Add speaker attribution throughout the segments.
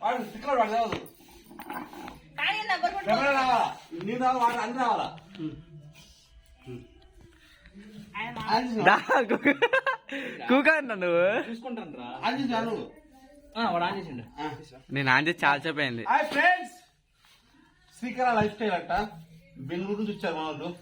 Speaker 1: వాడు స్టిక్కర్ వాడు కాదు రావాలా నీ రావాలి వాడు అన్ని రావాలా
Speaker 2: కూకా నువ్వు
Speaker 1: చూసుకుంటాను రా ఆన్ చేసి నువ్వు వాడు ఆన్ చేసిండు
Speaker 2: నేను ఆన్ చేసి చాలా సేపు అయింది.
Speaker 1: Hi friends, Srikara lifestyle అంట బెంగళూరు నుంచి వచ్చారు మా వాళ్ళు.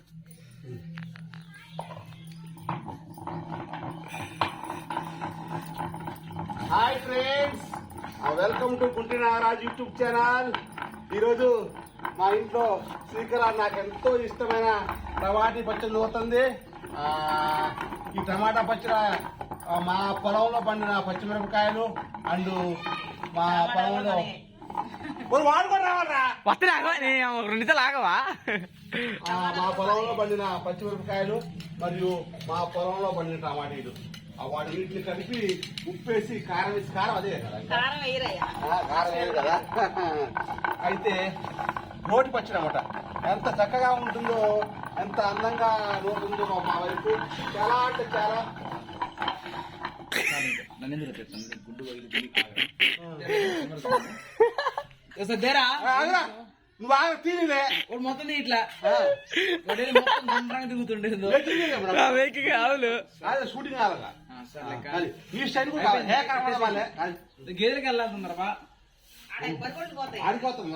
Speaker 1: Hi friends, welcome to Gunti Nagaraj YouTube channel. ఈరోజు మా ఇంట్లో శ్రీకర నాకు ఎంతో ఇష్టమైన టమాటీ పచ్చడి అవుతుంది. ఈ టమాటా పచ్చడి మా పొలంలో పండిన పచ్చిమిరపకాయలు అండ్ మా పొలంలో వాడుకొని రావాలరా
Speaker 2: వస్తే రెండు ఆగవా?
Speaker 1: మా పొలంలో పండిన పచ్చిమిరపకాయలు మరియు మా పొలంలో పండిన టమాటీలు వాటి వీటిని కలిపి ఉప్పేసి కారం వేసి కారం అదే కదా కారం వేయరు కదా. అయితే రోటి పచ్చడి అన్నమాట. ఎంత చక్కగా ఉంటుందో, ఎంత అందంగా నోటుందో మా వైపు. చాలా అంటే చాలా నువ్వు బాగా తీనిలే
Speaker 2: మొత్తం ఇట్లా తిరుగుతుండే
Speaker 1: అవును షూటింగ్ కావాలగా ఈ స్టైల్
Speaker 2: గేదెలకి వెళ్ళాలన్నారా
Speaker 1: ఆడిపోతాం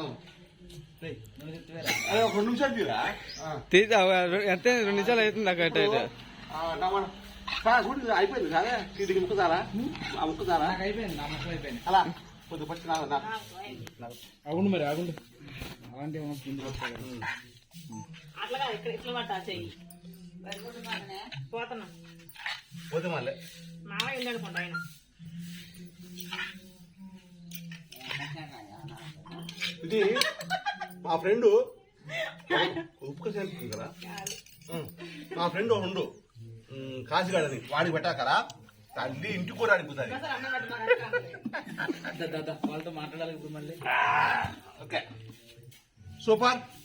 Speaker 1: ఒక 2 నిమిషాలు తీరా
Speaker 2: ఎంత 2 నిమిషాలు అవుతుంది నాకు అటు
Speaker 1: షూటింగ్ అయిపోయింది కదా. ఇంటికి ముక్కుతారా ముక్కుతారా
Speaker 2: అయిపోయింది నా ముక్కలు అయిపోయింది.
Speaker 1: అలా కొద్దిగా పచ్చి
Speaker 2: అవును మరి ఆగుండు అలాంటి
Speaker 1: పోతే మళ్ళీ ఇది మా ఫ్రెండ్ ఉప్పు చేస్తుంది కదా. మా ఫ్రెండ్ ఉండు కాశీగాడని వాడికి పెట్టాకరా తల్లి ఇంటికి కూడా అడిగిపోతుంది.
Speaker 2: వాళ్ళతో మాట్లాడాలి ఇప్పుడు మళ్ళీ.
Speaker 1: Okay super.